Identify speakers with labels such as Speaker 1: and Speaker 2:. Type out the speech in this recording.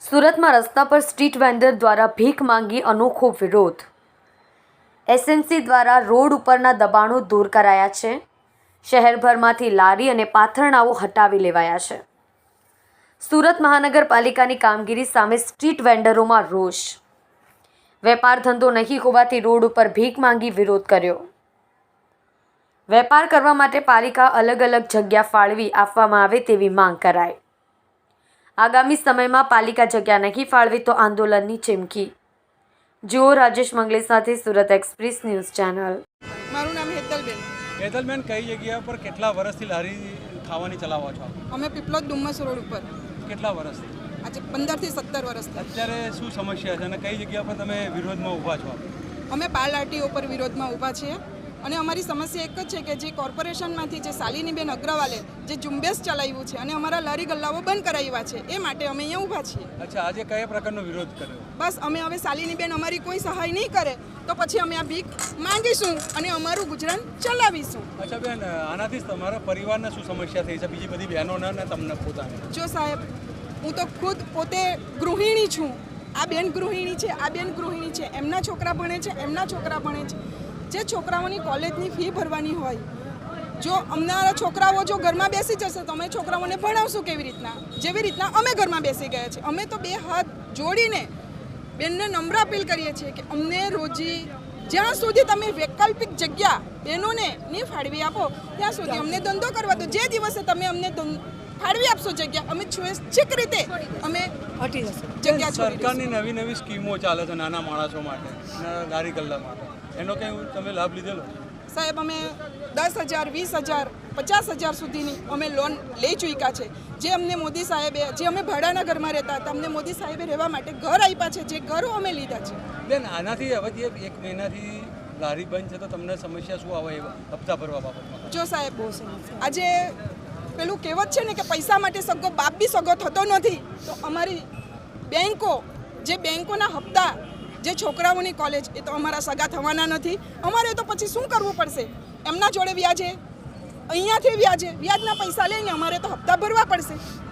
Speaker 1: સુરતમાં રસ્તા પર સ્ટ્રીટ વેન્ડર દ્વારા ભીખ માંગી અનોખો વિરોધ. એસએમસી દ્વારા રોડ ઉપરના દબાણો દૂર કરાયા છે. શહેરભરમાંથી લારી અને પાથરણાઓ હટાવી લેવાયા છે. સુરત મહાનગરપાલિકાની કામગીરી સામે સ્ટ્રીટ વેન્ડરોમાં રોષ. વેપાર ધંધો નહીં હોવાથી રોડ ઉપર ભીખ માંગી વિરોધ કર્યો. વેપાર કરવા માટે પાલિકા અલગ અલગ જગ્યા ફાળવી આપવામાં આવે તેવી માંગ કરાઈ. આગામી સમયમાં પાલિકા જગ્યા નહીં ફાળવે તો આંદોલનની ચીમકી. જુઓ રાજેશ મંગલે સાથે સુરત એક્સપ્રેસ ન્યૂઝ ચેનલ.
Speaker 2: મારું નામ હેતલબેન.
Speaker 3: હેતલબેન, કઈ જગ્યા પર કેટલા વર્ષથી લારી ખાવાની ચલાવો છો?
Speaker 2: અમે પીપલોદ ડુમ્મસ રોડ ઉપર.
Speaker 3: કેટલા વર્ષથી?
Speaker 2: આજે 15 થી 17 વર્ષથી.
Speaker 3: અત્યારે શું સમસ્યા છે અને કઈ જગ્યા પર તમે વિરોધમાં ઊભા છો?
Speaker 2: અમે પાલ આરટીઓ પર વિરોધમાં ઊભા છીએ અને અમારી સમસ્યા એક જ છે કે જે કોર્પોરેશનમાંથી જે શાલિનીબેન અગ્રવાલે જે ઝુંબેશ ચલાવ્યું છે અને અમારા લારી ગલ્લાઓ બંધ કરાવ્યા છે એ માટે અમે અહીંયા ઊભા છીએ.
Speaker 3: અચ્છા, આજે કયા પ્રકારનો વિરોધ કર્યો?
Speaker 2: બસ અમે હવે શાલિનીબેન અમારી કોઈ સહાય નહીં કરે તો પછી અમે આ ભીખ માંગીશું અને અમારું ગુજરાન ચલાવીશું.
Speaker 3: અચ્છા બેન, આનાથી તમારા પરિવારને શું સમસ્યા થઈ છે? બીજી બધી બહેનોને અને તમને પોતાને?
Speaker 2: જો સાહેબ, હું તો ખુદ પોતે ગૃહિણી છું. આ બેન ગૃહિણી છે, આ બેન ગૃહિણી છે. એમના છોકરા ભણે છે, એમના છોકરા ભણે છે. જે છોકરાઓની કોલેજની ફી ભરવાની હોય, જો અમારા છોકરાઓ જો ઘરમાં બેસી જશે તો અમે છોકરાઓને ભણાવશું કેવી રીતના? જેવી રીતના અમે ઘરમાં બેસી ગયા છીએ. અમે તો બે હાથ જોડીને બેનને નમ્ર અપીલ કરીએ છીએ કે અમને રોજી જ્યાં સુધી તમે વૈકલ્પિક જગ્યા બહેનોને નહીં ફાળવી આપો ત્યાં સુધી અમને ધંધો કરવા દો. જે દિવસે તમે અમને ફાળવી આપશો જગ્યા, અમે સ્વૈચ્છિક રીતે અમે હટી જશું જગ્યા.
Speaker 3: સરકારની નવી નવી સ્કીમો ચાલે છે નાના માણસો માટે, લારી ગલ્લા માટે, એનો કંઈ તમે લાભ લીધેલો?
Speaker 2: સાહેબ, અમે 10,000, 20,000, 50,000 સુધીની અમે લોન લઈ ચૂક્યા છે. જે અમને મોદી સાહેબે, જે અમે ભાડાના ઘરમાં રહેતા હતા, અમને મોદી સાહેબે રહેવા માટે ઘર આપ્યા છે. જે ઘરો અમે લીધા છે.
Speaker 3: બેન, આનાથી હવે જે 1 મહિનાથી લારી બંધ છે તો તમને સમસ્યા શું આવે હપ્તા ભરવા બાબતમાં?
Speaker 2: જો સાહેબ, આજે પેલું કહેવત છે ને કે પૈસા માટે સગો બાપ બી સગો થતો નથી. તો અમારી બેંકો, જે બેંકોના હપ્તા, જે છોકરાઓની કોલેજ, એ તો અમારા સગા થવાના નથી. અમારે તો પછી શું કરવું પડશે? એમના જોડે વ્યાજે, અહીંયાથી વ્યાજના પૈસા લઈને અમારે તો હપ્તા ભરવા પડશે.